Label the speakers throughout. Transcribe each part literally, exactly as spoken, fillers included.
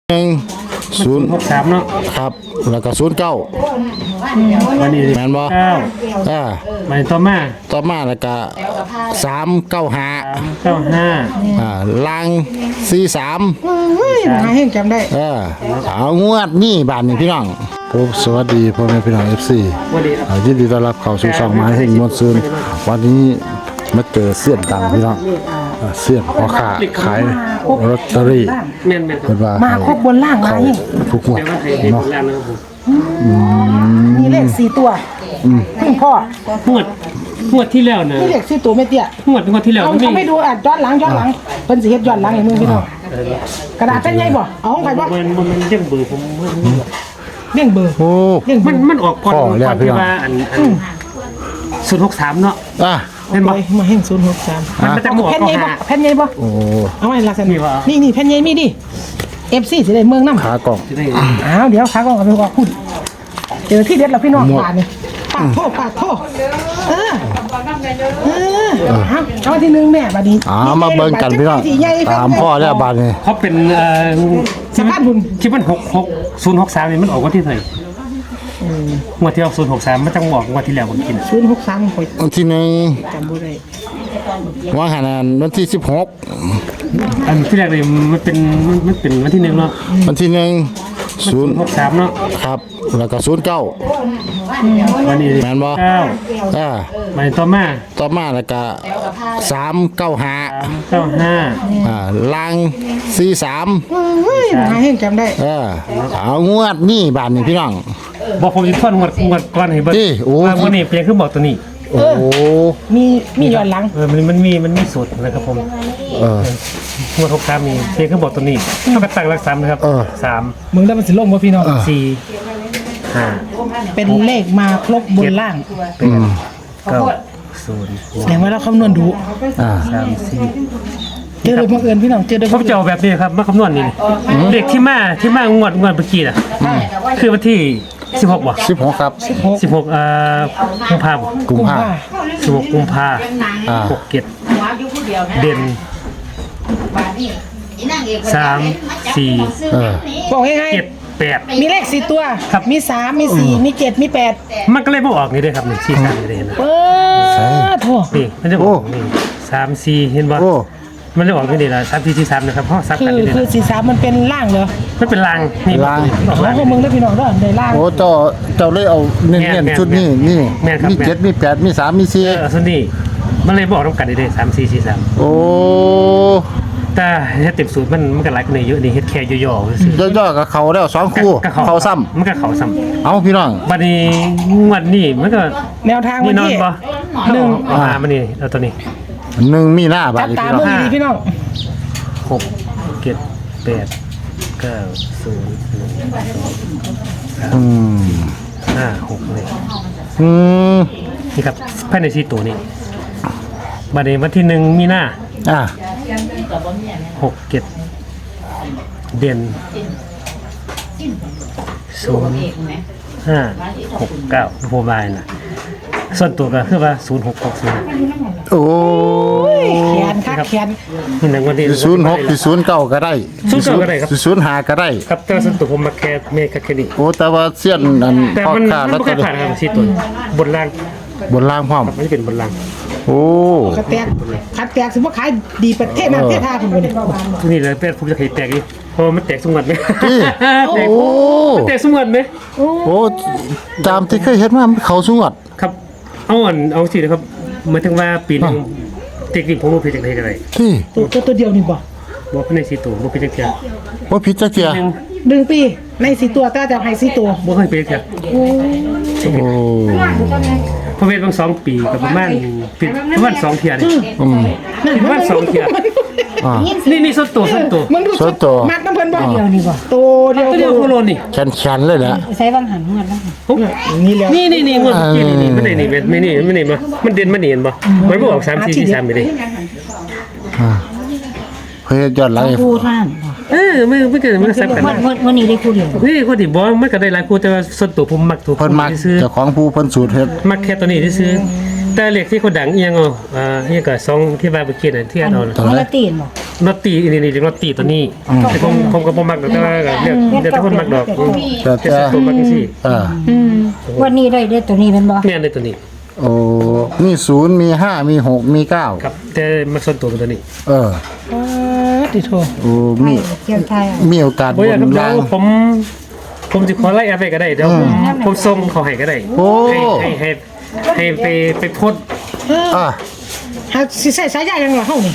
Speaker 1: หนึ่งศูนย์
Speaker 2: หกสามเนาะ
Speaker 1: ครับแล้วก็ศูนย์เก้า
Speaker 2: วันนี้
Speaker 1: แม่นบ่
Speaker 2: เก้า
Speaker 1: อ่า
Speaker 2: มาต่อมา
Speaker 1: ต่อมาแล้วก็สามเก้าห้า
Speaker 2: สามเก้าห้า
Speaker 1: อ่าลางสี่สาม
Speaker 3: เฮ้ยมาให้จำได้
Speaker 1: เออเอางวดนี่บาทนี่พี่น้องผมสวัสดีพ่อแม่พี่น้อง เอฟ ซี
Speaker 2: วันนี้
Speaker 1: อ่ายินดีต้อนรับเข้าสู่ช่องไม้แห่งมวลซืนวันนี้มาเจอเสี้ยนดังพี่น้องอ่าเสี้ยนพ่อค้าขายลอตเตอรี่
Speaker 2: แม่นแม่นครั
Speaker 1: เพิ่
Speaker 2: บ
Speaker 1: นว่า
Speaker 3: มาครบบนล่างมา
Speaker 1: เข้า
Speaker 3: ให้
Speaker 1: ทุกงวด
Speaker 2: แต่ว่าไทยเด็ก
Speaker 1: เนาะ
Speaker 2: แล้วนะครับผม
Speaker 3: มีเลขสี่ตัวพึ่งพ่อง
Speaker 2: วดงวดที่แล้วนะ
Speaker 3: มีเลขสี่ตัวไม่เตี้ย
Speaker 2: งวดงวดที่แล้ว
Speaker 3: เอา
Speaker 2: มัน
Speaker 3: เขาไม่ดูอ่ะย้อนหลังย้อนหลังเพิ่นสิเฮ็ดย้อนหลังให้มึงพี่น้องกระดาษเป็นไงบ่เอาของใครบ่
Speaker 2: มันมันมันยังเบื่อผม
Speaker 3: เลี้ยงเบอร์
Speaker 1: โอ้
Speaker 3: เลี้ยงเบ
Speaker 2: มั
Speaker 3: อน ร์
Speaker 2: มันออกก่อน
Speaker 1: พ่อแล้ว
Speaker 2: ก่อน
Speaker 1: พี่
Speaker 2: ที่
Speaker 1: น้อง
Speaker 2: ว่าอันอันศูนย์หกสามเนาะ
Speaker 1: อ่ะ
Speaker 2: เห็น
Speaker 3: ไป
Speaker 2: บ่
Speaker 3: มาแห่งศูนย์หกสาม
Speaker 2: มันมันจะหมวก
Speaker 3: แผ่น
Speaker 2: ก็
Speaker 3: ใหญ่บ่
Speaker 2: หา
Speaker 3: แผ่นใหญ่บ่
Speaker 1: โอ้
Speaker 3: เอาไว้ลักษณะ
Speaker 2: นี่ว่า
Speaker 3: นี่นี่แผ่นใหญ่มีดิ เอฟ ซี สิได้เมืองนำ
Speaker 1: ขากล่อง
Speaker 2: จะได้
Speaker 3: อ้าวเดี๋ยวขาก่อนเอาไปว่าพูดเจอที่เด็ดแล้วพี่น้อง
Speaker 1: หมด
Speaker 3: ปาดนี่ปาดโทษปาดโทษเออเออเอาเอาที่หนึ่งแม่บัดนี้
Speaker 1: อ่ามาเบิ่งกันพี่น้องตามพ่อแล้วบาทนี่
Speaker 2: เขาเป็นเอ่อ
Speaker 3: สภาพบุญ
Speaker 2: คิดว่าหกหกศูนย์หกสามนี่มันออกวันที่เท่าไหร่งวดที่ออกศูนย์หกสามมันจะบอกงวดที่แล้วผมกิน
Speaker 3: ศูนย์หกสามข่อย
Speaker 1: วันที่หนึ่ง
Speaker 3: จำบ่ได้
Speaker 1: ว่าขนาดวันที่สิบหก
Speaker 2: อันที่แรกเลยมันเป็นมันมันเป็นวันที่หนึ่งเนาะ
Speaker 1: วันที่หนึ่งศูนย์
Speaker 2: หกสามเนาะ
Speaker 1: ครับแล้วก็ศูนย์เก้า
Speaker 2: วันนี้
Speaker 1: แม่นบ่
Speaker 2: เก้า
Speaker 1: อ่า
Speaker 2: มาต่อมา
Speaker 1: ต่อมาแล้วก็สามเก้าห้า
Speaker 2: สามเก้าห้า
Speaker 1: อ่าลางสี่สาม
Speaker 3: เฮ้ยมาให้จำได้
Speaker 1: เออเอางวดนี่บาทนี่พี่น้อง
Speaker 2: บอกผมจะทวนงวดงวดก่อนให้เบิ่ง
Speaker 1: นี่โอ้
Speaker 2: ว่าวันนี้เพียงคือบอกตัวนี้
Speaker 1: โอ้
Speaker 3: มีมีย้อนหลัง
Speaker 2: เออมันมันมีมันมีสูตรนะครับผม
Speaker 1: เออง
Speaker 2: วดหกสามมีเพียงคือบอกตัวนี้เท่ากับตั้งหลักสามนะครับ
Speaker 1: เออ
Speaker 2: สาม
Speaker 3: มึงได้มันสิลงบ่พี่น้อง
Speaker 2: สี่ห้า
Speaker 3: เป็นเลขมาครบบนล่าง
Speaker 2: แปดเก้าศูนย์
Speaker 3: แสดงว่าเราคำนวณดู
Speaker 1: อ่า
Speaker 2: สามสี่
Speaker 3: เจอโดยบังเอิญพี่น้องเจอโดย
Speaker 2: ผมจะเอาแบบนี้ครับมาคำนวณนี่เลขที่มาที่มางวดงวดเมื่อกี้น่ะคือวันที่สิบหกบ่
Speaker 1: สิบหกครับ
Speaker 2: สิบหกเอ่อกุมภาพันธ์
Speaker 1: กุมภา
Speaker 2: สิบหกกุมภา
Speaker 1: อ่า
Speaker 2: หกเจ็ดเด่นสามสี่
Speaker 1: เออ
Speaker 3: บอกง่าย
Speaker 2: เจ็ดแปด
Speaker 3: ๆมีเลขสี่ตัว
Speaker 2: ครับ
Speaker 3: มีสามมีสี่มีเจ็ดมีแปด
Speaker 2: มันก็เลยบ่ออกนี่เด้อครับนี่สี่สามนี่เด้อเห็นไหม
Speaker 3: เปิดโถ
Speaker 2: นี่มันจะออกนี่สามสี่เห็นบ่
Speaker 1: โอ้
Speaker 2: มันเลยออกนี่เด้อละสามสี่สี่สามนะครับเพราะซับ
Speaker 3: คื
Speaker 2: กัน
Speaker 3: อ
Speaker 2: นี่เด้
Speaker 3: คือ
Speaker 2: อ
Speaker 3: สี่สามมันเป็นล่างเหรอ
Speaker 2: มันเป็นลางนี่
Speaker 1: ลาง
Speaker 2: ออก
Speaker 3: แล้
Speaker 2: ลาว ง
Speaker 3: พวกมึงได้พี่น้องเด้อในล่าง
Speaker 1: โอ้เจ้าเจ้าเลยเอาเน้น
Speaker 2: แม่น
Speaker 1: ๆชุดนี้นี่
Speaker 2: แม่นครับ
Speaker 1: มี
Speaker 2: แม่น
Speaker 1: เจ็ดมีแปดมีสามมีสี่
Speaker 2: เออส่วนนี้มันเลยบอกต้องกันนี่เด้อสามสี่สี่สาม
Speaker 1: โอ้
Speaker 2: แต่เฮ็ดเต็มสูตรมันมันก็หลายกว่านี้เยอะนี่เฮ็ดแค่ย่อๆซื่อย่
Speaker 1: อๆกับเขาแล้วสอง
Speaker 2: ๆ
Speaker 1: คู่
Speaker 2: ก็
Speaker 1: เขาซ้ำ
Speaker 2: มันก็เขาซ้ำ
Speaker 1: เอาพี่น้อง
Speaker 2: บัดนี้งวดนี้มันก็
Speaker 3: แนวทาง
Speaker 2: นี่
Speaker 3: วัน
Speaker 2: นอน
Speaker 3: ที่
Speaker 2: บ่
Speaker 3: หนึ่ง
Speaker 2: เอาหามันนี่เอาตัวนี้
Speaker 1: หนึ่งมีหน้าบา
Speaker 3: จั
Speaker 1: ท
Speaker 3: บ
Speaker 1: นี่
Speaker 3: ตา
Speaker 1: พี่น้อง
Speaker 3: เมื่อดีพี่น้อง
Speaker 2: หกเจ็ดแปดเก้าศูนย์หนึ่ง
Speaker 1: อืม
Speaker 2: ห้าหกเลย
Speaker 1: อืม
Speaker 2: นี่ครับภายในสี่ตัวนี้บัดนี้วันที่หนึ่งมีหน้า
Speaker 1: อ่า
Speaker 2: หกเจ็ดเด่นศูนย์ห้าหกเก้าโมบายนะส่วนตัวก็คือว่าศูนย์หกหกศูนย์
Speaker 1: โอ้
Speaker 3: แขนคักแขน
Speaker 2: นี่นะวันนี้
Speaker 1: ศูนย์หกศูนย์เก้าก็ได้
Speaker 2: ศูนย์เก้าก็ได้ครับ
Speaker 1: ศูนย์ห้าก็ได้
Speaker 2: ครับแต่ว่าส่วนตัวผมมาแค่เมฆแค่นี้
Speaker 1: โอ้แต่ว่าเสี้ยนอัน
Speaker 2: แต่
Speaker 1: พ่อ
Speaker 2: มัน
Speaker 1: ค้า
Speaker 2: มัน
Speaker 1: แล้ว
Speaker 2: ไม่
Speaker 1: ก็
Speaker 2: เคยผ่านครับสี่ตัวบนล่าง
Speaker 1: บนล่างพร้อม
Speaker 2: มันจะเป็นบนล่าง
Speaker 1: โอ้
Speaker 3: ขัดแตกขัดแตกสมมติขายดีประเทศนั้นประเทศท่าคุณคนนี้
Speaker 2: นี่เลยเป็นผมจะเคยแตกดิเพราะว่ามันแตกสมวัดไหม
Speaker 1: พี่
Speaker 2: แตก
Speaker 1: โอ้
Speaker 2: มันแตกสมวัดไหม
Speaker 1: โอ้ตามที่เคยเห็นมามันเขาสวด
Speaker 2: ครับเอาอ่อนเอาสินะครับหมายถึงว่าปีหนึงเทคนิคผมรู้เพจจากไหนกันไร
Speaker 1: ที่
Speaker 3: ตัวตัวตัวเดียวนี่บ่
Speaker 2: บอกภายในสี่ตัวบอกเพจจากเทีย
Speaker 1: ว่าผิดจักเทีย
Speaker 2: หนึ่ง
Speaker 3: หนึ่งปีในสี่ตัวแต่จะให้สี่ตัว
Speaker 2: บอกเคยเพจจากเทีย
Speaker 1: โอ้
Speaker 2: พอเพจบางสองปีกับประมาณปีประมาณสองเทียนี่
Speaker 1: อืม
Speaker 2: ประมาณสองเทีย
Speaker 1: อ่า
Speaker 2: นี่นี่ส่วนตัวส่วนตัว
Speaker 3: มึงดู
Speaker 1: ส่วนตัว
Speaker 3: มัดน้ำเพิ่นบ่
Speaker 1: เดียว
Speaker 3: นี่บ่ตัวเดียว
Speaker 2: ตัวเดียวโคโลนี่
Speaker 1: แขนแขนๆเลยแหละ
Speaker 4: ใช้บางหันเงินแล้วค่ะ
Speaker 2: ปุ๊บ
Speaker 3: นี่แล้ว
Speaker 2: นี่นี่นี่งวดเมื่อกี้นี่นี่ไม่ได้นี่ไม่นี่ไม่นี่มามันเด่นมันเนียนบ่มันบอกสามสี่สี่สามไปเลย
Speaker 1: อ่าเพื่อยอดไลฟ์
Speaker 4: คู่ท่าน
Speaker 2: เออไม่ไม่เกิดมันซับกัน
Speaker 4: วันวันวันนี้ได้คู่เดียว
Speaker 2: นี่คนที่บอกมันก็ได้หลายคู่แต่ว่าส่วนตัวผมมักตัว
Speaker 1: เพิ่นมัก
Speaker 2: ซื้อ
Speaker 1: เจ้าของผู้เพิ่นสูตรเฮ็ด
Speaker 2: มักแค่ตัวนี้ที่ซื้อแต่เลขที่คนดังเอียงเอาอ่าเอียงกับซองที่ว่าเมื่อกี้น่ะที่เอาน่ะ
Speaker 1: ตัว
Speaker 4: มัน
Speaker 1: ไหน
Speaker 4: ละตีนบ่
Speaker 2: ลอตตีนี่นี่ลอตตีตัวนี้แต่ผมผมก็บ่มักดอกแต่ว่าก็เรียกเดี๋ยวแต่คนมักดอก
Speaker 1: แต่
Speaker 2: แต่
Speaker 1: แต่
Speaker 2: ตัวมักจังซี่
Speaker 1: เออ
Speaker 4: อืมวันนี้ได้ได้ตัวนี้เป็นบ่
Speaker 2: แม่นในตัวนี้
Speaker 1: โอ้มีศูนย์มีห้ามีหกมีเก้า
Speaker 2: ครับแต่มักส่วนตัวเป็นตัวนี้
Speaker 1: เออ
Speaker 3: เออติโท
Speaker 1: โอ้มี
Speaker 4: เกี่ยวไทย
Speaker 1: มีโอกาส
Speaker 2: บ่
Speaker 1: บ
Speaker 2: อยาก
Speaker 1: น
Speaker 2: ครับเดี๋ย
Speaker 1: ล่าง
Speaker 2: วผมผมสิขอไล่แอปไปก็ได้เดี๋ยวผมผมส่งเขาให้ก็ได้
Speaker 1: โอ้
Speaker 2: ให้ให้ให้ให้ไปไปโพสต์
Speaker 1: อ่ะ
Speaker 3: หาสิใส่สายยายังเหรอเฮานี่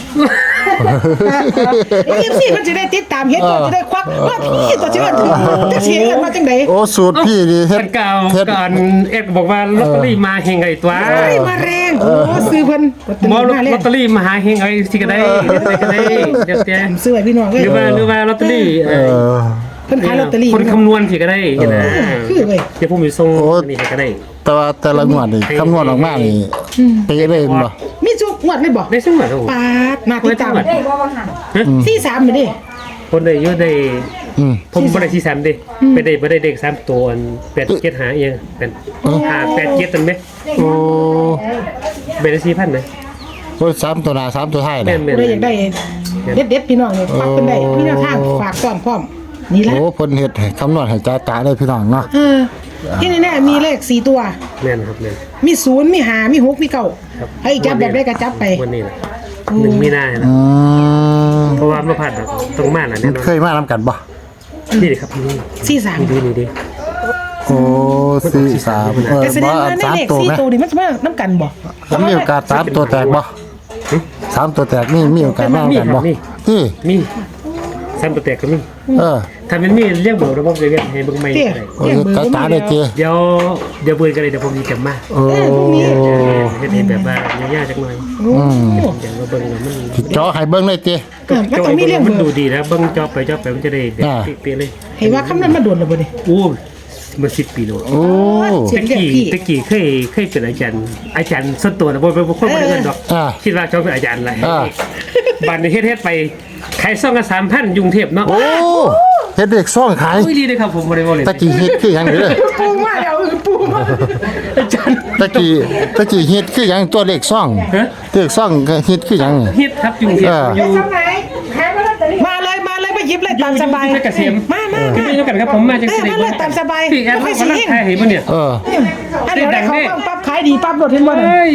Speaker 3: เอฟซีมันจะได้ติดตามเฮ็ดตัวจะได้ควักว่าพี่ตัวจะว่าถือจะเสียกันมาจังได๋
Speaker 1: โอ้สูตรพี่ดีเฮ็ด
Speaker 2: มันเก่า
Speaker 1: เฮ็ด
Speaker 2: ก่อนเอ็ดบอกว่าลอตเตอรี่มาเฮงไอ้ตัว
Speaker 3: เอ้ยมาแรงโอ้ซื้อเพิ่น
Speaker 2: หมอล
Speaker 3: มาแร
Speaker 2: อง ตเตอรี่มาหาเฮงไอ้ที่ก็ได้เดี๋ยวได้ก็ได้เดี๋ยวแต่
Speaker 3: ซื้อไว้พี่น้อง
Speaker 2: ห
Speaker 3: เอ้ย
Speaker 2: รือว่าหรือว่าลอตเตอรี่
Speaker 1: เออ
Speaker 3: เพิ่นขายลอตเตอรี่
Speaker 2: คนคำนวณที่ก็ได้เห็นไหม
Speaker 3: คือเว้ย
Speaker 2: เดี๋ยวผมไปส่ง
Speaker 1: โอ้
Speaker 2: นี่ให้ก็ได้
Speaker 1: แต่ว่าแต่ละงวดนี่คำนวณออกมานี่เป๊ะเลยบ่
Speaker 3: มีจุกงวดเลยบ่
Speaker 2: ได้ซึ่งหมดครับผม
Speaker 3: ปาดมาติดตาม
Speaker 4: ได้บ่ว่าหั่น
Speaker 3: สี่สามไปดิ
Speaker 2: คนได้เยอะได้
Speaker 1: อืม
Speaker 2: ผมบ่ได้ที่สามดิไปได้บ่ได้เด็กสามตัวอันแปดเจ็ดหาเองเป็นหาแปดเจ็ดตันไหม
Speaker 1: โอ้
Speaker 2: เป็นได้สี่พันไหม
Speaker 1: โอ้สามตัวหน้าสามตัวท้าย
Speaker 2: แม่
Speaker 1: น่ะ
Speaker 2: นแม่น
Speaker 3: ได้อยากได้เด็ดๆพี่น้องเนี่ยฝากเพิ่นได้มีแนวทางฝากต้อนพร้อมนี่ละ
Speaker 1: โอ้เพิ่นเฮ็ดให้คำนวณให้จ้าตาได้พี่น้องเนาะ
Speaker 3: เออที่แน่ๆมีเลขสี่ตัว
Speaker 2: แม่นครับแม่น
Speaker 3: มีศูนย์มีหามีหกมีเก้า
Speaker 2: ครับ
Speaker 3: ให้จับแบบได้ก็จับไป
Speaker 2: วันนี้นะหนึ่งมีนานะ
Speaker 1: อืม
Speaker 2: เพราะว่าไม่ผ่านหรอกตรงมาน่ะ
Speaker 1: มั
Speaker 2: แน่
Speaker 1: น
Speaker 2: นอน
Speaker 1: เคยมานํกันบ่
Speaker 2: นี่ดิครับนี่
Speaker 3: สี่สาม
Speaker 2: นี่ดีนี่ดี
Speaker 1: โอ้สี่สามเออ
Speaker 3: แต่แสด
Speaker 1: บ่
Speaker 3: ง
Speaker 1: อั
Speaker 3: ว่าน ใน
Speaker 1: สาม
Speaker 3: เลข
Speaker 1: ตัว
Speaker 3: สี่
Speaker 1: ไหม
Speaker 3: ตัวนี่มันจะมาน้ำกันบ่
Speaker 1: มันมีโอกาสสามตัวแตกบ่สามตัวแตกนี่มีโอกาสมานํกันบ่ที่
Speaker 2: มีซ้ำตัวแตกก็มี
Speaker 1: เออ
Speaker 2: ถ้ามันมีเรียกเบอร์ระบบจะเรียกให้เบิ่งใหม่
Speaker 3: เตี้ย
Speaker 2: ก็ได้
Speaker 1: โอ้ย
Speaker 3: เรียกเบอร์
Speaker 1: จ้า
Speaker 3: บ่
Speaker 1: ตา
Speaker 3: มี
Speaker 1: ได้
Speaker 3: แล้ว
Speaker 1: เจ
Speaker 2: เดี๋ยวเดี๋ยวเบอร์กันเลยเดี๋ยวผมจะจำมา
Speaker 1: โอ้
Speaker 2: เฮ็ดให้แบบว่าย่าๆจักหน่อย
Speaker 3: โอ้
Speaker 2: อย่างว่าเบิ่งแล้วมัน
Speaker 1: สิเจาะให้เบิ่งเลยเจ
Speaker 3: เออมันต้องมีเรียก
Speaker 2: มั
Speaker 3: เบ
Speaker 2: น
Speaker 3: อ
Speaker 2: ดู
Speaker 3: ร์
Speaker 2: ดีนะเบิ่งจอไปจอไปมันจะได้แบบ
Speaker 1: อ่า
Speaker 2: เป๊ะๆเลย
Speaker 3: ให้ว่าคำนั้นมาโดนแล้วบ่นี่
Speaker 2: โอ้มันสิบปีแล้ว
Speaker 1: โอ้
Speaker 3: เสีย
Speaker 2: ตะ
Speaker 3: งเรียก
Speaker 2: กี้
Speaker 3: พี่
Speaker 2: ตะกี้เคยเคยเป็นอาจารย์อาจารย์ส่วนตัวนะบ่บ่บ่คนบ่ได้เงินดอก
Speaker 1: อ่า
Speaker 2: คิดว่าเขาเป็นอาจารย์อะไร
Speaker 1: อ่า
Speaker 2: บัตรในเฮ็ดเฮ็ดไปขายซองกันสามพันยุงเทพเนาะ
Speaker 1: โอ้เฮ็ดเด็กซ่องขาย
Speaker 2: อุ้ยดีเลยครับผมบ่ได้บ่เลย
Speaker 1: ตะกี้เฮ็ดคือหยังเด้อ
Speaker 3: ปูมาแล้วปูมา
Speaker 2: อาจารย์
Speaker 1: ตะกี้ตะกี้เฮ็ดคือหยังตัวเลขซ่อง
Speaker 2: ฮะ
Speaker 1: เลขซ่องก็เฮ็ดคือหยังนี่
Speaker 2: เฮ็ดครับยุงเทพ
Speaker 1: อ่า
Speaker 2: อยู่
Speaker 3: มาเลยมาเลยมาหยิบเลยตามสบาย
Speaker 2: อยู่เกษม
Speaker 3: มามา
Speaker 2: อยู่
Speaker 3: มา
Speaker 2: ด้วยกันครับผมมาจัง
Speaker 3: เออ
Speaker 2: ซี่
Speaker 3: มาเลยตามสบาย
Speaker 2: พี่แอด
Speaker 3: ไม่
Speaker 2: เขา
Speaker 3: สิ
Speaker 2: กำลัง
Speaker 3: เฮง
Speaker 2: ขายให้บ่เนี่ย
Speaker 1: เออ
Speaker 3: อันเดี๋ยวได้เขาฟังปั๊บขายดีปั๊บโดดเห็นบ่น่ะ
Speaker 2: เฮ้ย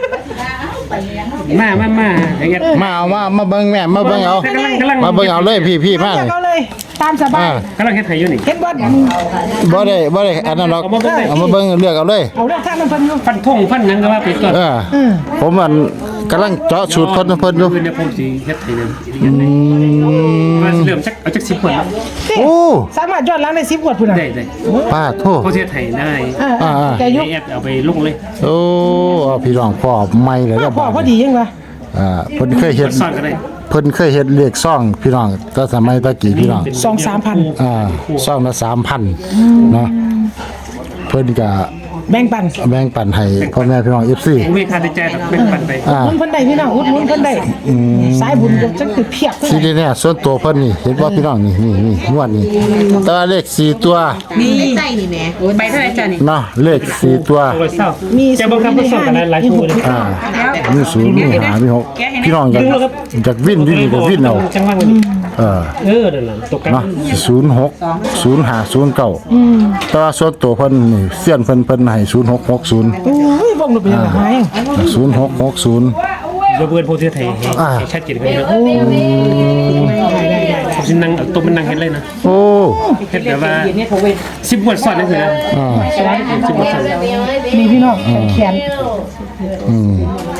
Speaker 2: มามามาอย่างเงี้ย
Speaker 1: มาเอามามาเบิ่งแม่มาเบิ่งเอา
Speaker 2: กำลังกำลัง
Speaker 1: มาเบิ่งเอาเลยพี่พี่มา
Speaker 3: เลือกเอาเลยตามสบาย
Speaker 1: อ่า
Speaker 2: กำลังเฮ็ดให้อยู่นี่
Speaker 3: เห็นบ่
Speaker 1: บ่ได้บ่ได้อันนั้นหรอก
Speaker 2: เอามาเบิ่งเลย
Speaker 1: เอามาเบิ่งเลือกเอาเลย
Speaker 3: เอาเรื่องทางนั้นเพิ่นอยู่
Speaker 2: ฟันทงฟันหยังก็ว่าไปก่อน
Speaker 1: เออผมมันกำลังเจาะสูตรเพิ่นเพิ่นอยู่
Speaker 2: คืนเนี่ยผมสิเฮ็ดให้นึง
Speaker 1: อืม
Speaker 2: ว่าสิเริ่มจักเอาจักสิบคนแล้ว
Speaker 1: โอ้
Speaker 3: สามารถย้อนหลังได้สิบกว่าพุ่นน่ะ
Speaker 2: ได้ได้
Speaker 1: ป้าโทษ
Speaker 2: เขาสิเฮ็ดให้ได้
Speaker 3: อ่า
Speaker 1: อ่า
Speaker 3: แต่ยุค
Speaker 2: ให้แอดเอาไปลงเลย
Speaker 1: โอ้เอาพี่น้องพ่อใหม่เลย
Speaker 3: พ่
Speaker 1: เด้
Speaker 3: อ
Speaker 1: อ
Speaker 3: พ่อพอดียังวะ
Speaker 1: อ่าเพิ่นเคยเฮ็ด
Speaker 2: สอนก็ได้
Speaker 1: เพิ่นเคยเฮ็ดเลขซ่องพี่น้องแต่สมัยตะกี้พี่น้อง
Speaker 3: สองสามพัน
Speaker 1: อ่าซ่องละสามพันเนาะเพิ่นก็
Speaker 3: แบ่งปัน
Speaker 1: แบ่งปันให้พ่อแม่พี่น้อง เอฟ ซี
Speaker 2: ผมมีค่าใช้จ่ายแบบเป็นปันไป
Speaker 1: อ่า
Speaker 3: มุนเพิ่นได้พี่น้องอุดหนุนเพิ่นได้สายบุญก็จังคือเพียบ
Speaker 1: ทีนี้เนี่ยส่วนตัวเพิ่นนี่เห็นว่าพี่น้องนี่นี่นี่งวดนี้แตัวาเลขสี่ตัว
Speaker 5: มีใส่นี่แหม่ใบเท่าไหร่จ้ะนี่
Speaker 1: เนาะเลขสี่ตัว
Speaker 2: โอ้ยเศร้า
Speaker 3: มี
Speaker 2: จะบังคับผู้สอนกันหลายๆชั่วโมงเลย
Speaker 1: อ่ามีศูนย์มีหามีหกพี่น้องกันจากวินอยู่นี่ก็วินเอา
Speaker 2: จังหวะนี้
Speaker 1: เออ
Speaker 2: เออนั่นน่ะตกกัน
Speaker 1: เนาะศูนย์หกศูนย์ห้าศูนย์เก้าแต่ว่าส่วนตัวเพิ่นนี่เสี้ยนเพิ่นเพิ่นให้ศูนย์หกหกศูนย์
Speaker 3: โอ้ยวงลงไปยังไง
Speaker 1: ศูนย์หกหกศูนย์
Speaker 2: เดี๋ยวเบิ่นผู้ที่ไทยให้
Speaker 1: อ่า
Speaker 2: ให้ชัดเจนกันนะผมสินั่งเอาตัวมันนั่งเฮ็ดเลยนะ
Speaker 1: โอ้
Speaker 2: เฮ็ดแบบว่าสิบงวดซ้อนนั่นคือนะ
Speaker 1: อ่า
Speaker 2: สิบงวดซ้อน
Speaker 3: มีพี่น้องแขน
Speaker 1: อืม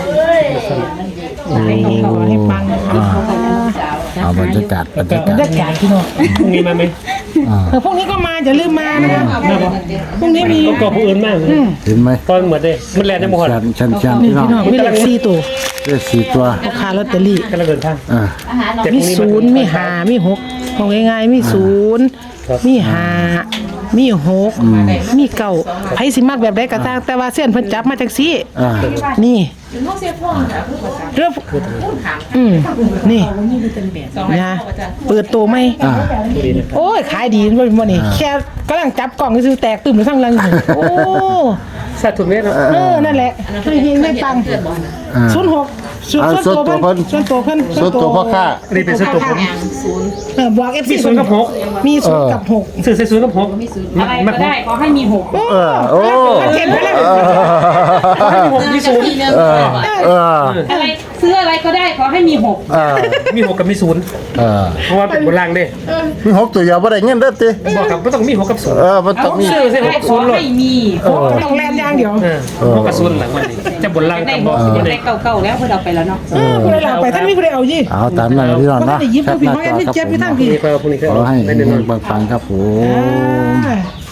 Speaker 3: ให้ขอให้ฟัง
Speaker 1: เอาบรรยากาศบรรยากา
Speaker 3: บร
Speaker 1: ศ
Speaker 3: รยากาศพี่น้อง
Speaker 2: พรุ่งนี้มาไหม
Speaker 3: เออพรุ่งนี้ก็มาอย่าลืมมานะครับ
Speaker 2: มาบ่
Speaker 3: พรุ่งนี้มี
Speaker 2: ก็ก็ผู้อื่นมาก
Speaker 1: เห็นไหม
Speaker 2: ตอนเหมือนเด้มันแลนได้บ่ฮอด
Speaker 1: ชันชันชัน
Speaker 3: นี่
Speaker 1: พี่น้อง
Speaker 3: พี่น้องมีเลขสี่ตัว
Speaker 1: เลขสี่ตัว
Speaker 3: ราคาลอตเตอรี่
Speaker 2: กำลังเดินทาง
Speaker 1: อ่า
Speaker 2: แต่พ
Speaker 3: มี
Speaker 2: รุ่งนี้
Speaker 3: ศูนย์มีหามีหกของง่ายๆมีศูนย์มีหามีหกมีเก้าไผสิมักแบบใดก็ตามแต่ว่าเส้นเพิ่นจับมาจังซี่
Speaker 1: อ่า
Speaker 3: นี่เรื่องอืมนี่นะเปิดตัวไหม
Speaker 1: อ่า
Speaker 3: โอ้ยขายดีบ่บ่นี่แค่กำลังจับกล่องซื้อแตกตึมทั้งลังอยู่โอ้
Speaker 2: สาธุเมตรเนาะ
Speaker 3: เออนั่นแหละให้เฮงได้ตังค์
Speaker 1: อ่า
Speaker 3: ศูนย์หกส่วน
Speaker 1: อ่า
Speaker 3: ส่วนตัวเพิ่น
Speaker 1: ส่
Speaker 3: ส่ว
Speaker 1: วน นตั
Speaker 3: ตัว
Speaker 1: ว
Speaker 3: เพิ่น
Speaker 1: ส่วนตัวพ่อค้า
Speaker 2: นี่เป็นส่วนตัวผม
Speaker 3: เออบอก เอฟ ซี
Speaker 2: มีศูนย์กับหก
Speaker 3: มีศูนย์กับหก
Speaker 2: ซื้อใส่ศูนย์กับหก
Speaker 5: อะไรก็ได้ขอให้มีหก
Speaker 1: เออโอ้
Speaker 3: เห็นไหมล่ะ
Speaker 2: หกมีศูนย์
Speaker 1: เออเออ
Speaker 5: อะไรซื้ออะไรก็ได้ขอให้มีหก
Speaker 1: เออ
Speaker 2: มีหกกับมีศูนย์
Speaker 1: เออ
Speaker 2: เพราะว่าเป็นบนล่างเด้
Speaker 1: มีหกตัวเดียวบ่ได้เงินเด้อติ
Speaker 2: บอกครับไม่ต้องมีหกกับศูนย์
Speaker 1: เออมันต้องมี
Speaker 2: ซื้อใส่หก
Speaker 5: ข
Speaker 2: ศู
Speaker 5: อน
Speaker 2: ย์เลย
Speaker 5: ให้มี
Speaker 3: ต้องแลนอย่างเดียว
Speaker 2: เออหกกับศูนย์หลังวันนี้จะบนล่าง
Speaker 5: ได้
Speaker 2: กับ
Speaker 5: ห
Speaker 2: บอก
Speaker 5: ก
Speaker 2: ไม่
Speaker 5: ได้
Speaker 2: ได้
Speaker 5: เก่าๆแล้วเพื่อเราไปแล้วเนาะ
Speaker 3: เออผู้ใดเอาไปท่านมีผู้ใดเอายี่
Speaker 1: เอาตามนั้นพี่น้อง
Speaker 3: มัน
Speaker 1: เนาะ
Speaker 3: ได้ยิบ
Speaker 1: แค
Speaker 3: ผู้
Speaker 1: ปห
Speaker 3: พี่
Speaker 1: น้า
Speaker 3: เขา
Speaker 1: จอ
Speaker 3: แอดมิน
Speaker 1: ครับ
Speaker 3: เจ็บ
Speaker 1: ผม
Speaker 3: พี่ทั้งพี่
Speaker 2: นี่ก็พวกนี้ก็
Speaker 1: ขอให้
Speaker 2: ได้
Speaker 1: เงิ
Speaker 2: แน่นอน
Speaker 1: นปังๆครับผม
Speaker 3: อ่า